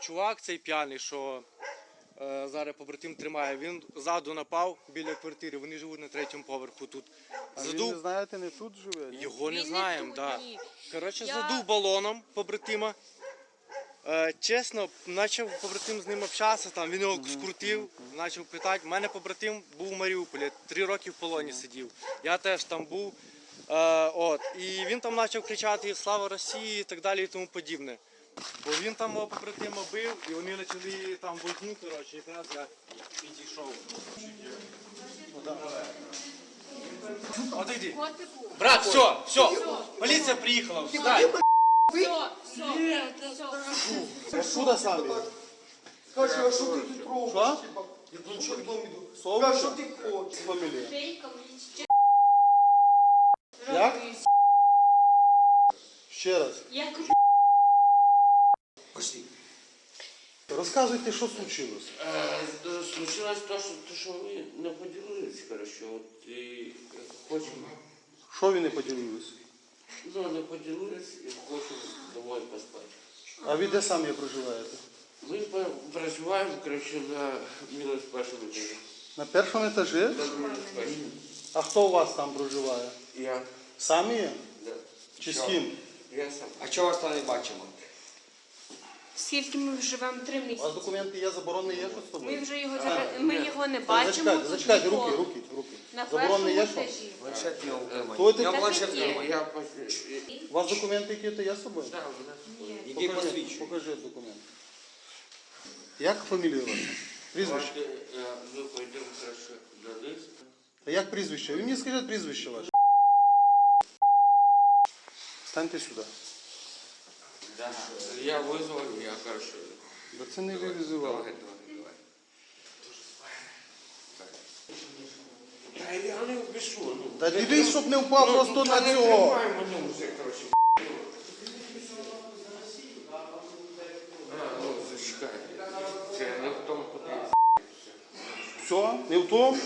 чувак цей п'яний, що зараз побратим тримає, він ззаду напав біля квартири, вони живуть на 3-му поверху тут. А ви не знаєте, не тут живе? Ні? Його не Він знаємо, тут, так. ні. Коротше, Я- задув балоном побратима. Чесно, почав побратим з ним общатися, там, він його скрутив, почав питати. У мене побратим був у Маріуполі, 3 роки в полоні сидів. Я теж там був. І він там почав кричати «Слава Росії» і так далі і тому подібне. Бо він там мого побратима бив, і вони почали там возню, коротше, якраз я підійшов. Отойди. Котику. Брат, все, поліція приїхала, встань. Все. Откуда самі? Скажи, а що ти тут робиш? Що? Я тут що вдома йду. Совка? Скажи, що ти хочеш? Фамілія. Шейка, мені Як? Ще раз. Я кажу, Пошли. Розказуйте, що случилось. Случилось то, що ми не поділилися, коротше, от і хочемо, Що ви не поділились? не поділилися і хочемо домой поспати. А ви де самі проживаєте? Ми проживаємо, коротше, на мінус першому етажі. На першому етажі? На мінус першому. А хто у вас там проживає? Я, Самі? да. Чи з ким? Я сам. А чого вас там не бачимо? скільки ми живемо 3 У вас місяці. документи є, заборонений є, що з Ми тобою? вже його ми його не бачимо. Зачекайте, ніколи. руки. На Заборонений є, першому що? етажі. Планшет його утримай. Хто ти? Я Так планшет і є. тримаю. Я У вас документи які-то є з собою? Да, у нас Іди посвідчуй. Покажи документи. Як фамілія ваша? Прізвище? ми пойдемо, коротше, до листа. А як прізвище? Ви мені скажіть прізвище ваше. Станьте сюди. Да. Я визвав, я, коротше, Да це не ви визивали. давай. Та я не впишу, ну. Та дивись, щоб не впав просто на не цього. тримай мене вже, коротше. Зачекай. Це не в тому подивився. Все, не в тому?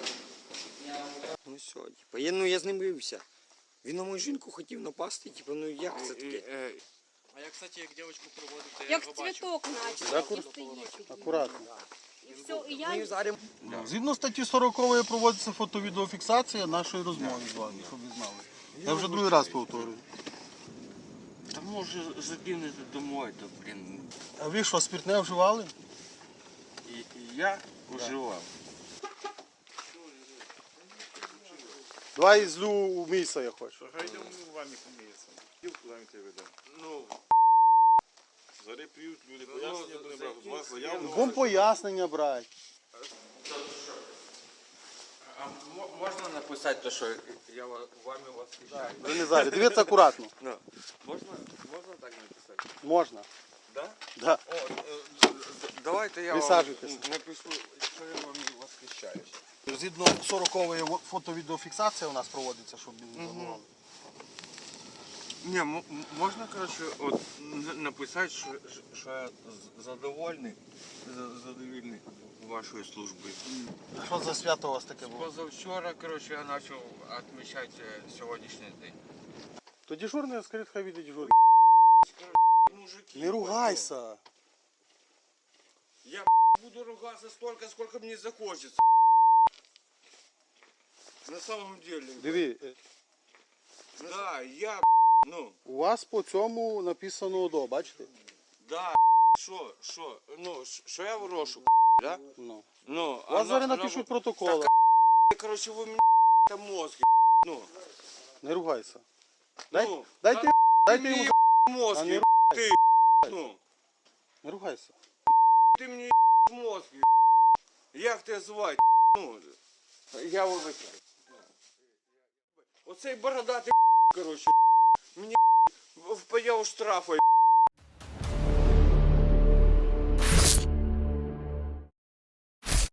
Ну все, я з ним бився. Він на мою жінку хотів напасти, ну як це таке? А я, кстати, як дівчинку проводив, то я Як його бачив. цвіток наче, який стоїть. Акуратно. І все, і Ми я зараз Згідно статті 40 проводиться фото-відеофіксація нашої розмови з вами, щоб ви знали. Я вже другий раз повторюю. Та може закинути домой, то, блін. А ви що, спиртне вживали? І я вживав. Давай злю у місце я хочу. Хай йдемо вами поміється. Куди ми тебе ведемо? Ну, Зараз п'ють люди, пояснення будемо брати. З вас заяву. Вам пояснення брати. а можна написати те, що я вами восхищаю? Ви не зараз. Дивіться акуратно. Ну, можна так написати? Можна. Да? Да. Давайте я Присаджуйтесь. вам напишу, що я вами восхищаюсь. Згідно 40-ї фото-відеофіксація у нас проводиться, щоб не забували. Ні, можна, коротше, от написати, що я задовольний вашою службою. Що за свято у вас таке було? Позавчора, коротше, я почав відмічати сьогоднішній день. То дежурний, скажіть, хай віде дежурний. Мужики, Не ругайся. я буду ругаться столько, сколько мне захочется. На самом деле. Диви, Да, я, ну, у вас по цьому написано ОДО, бачите? да, що я ворошу, да? Ну. Ну, У вас зараз напишуть протоколи. короче, ви мені мозги, ну, Не ругайся. ну, Дайте мені йому. А мозги, не ти, ну, Не ругайся. ти мені мозги, як тебе звати, ну, я вибачаю. Оцей бородатий, короче, мені впаяв штрафи,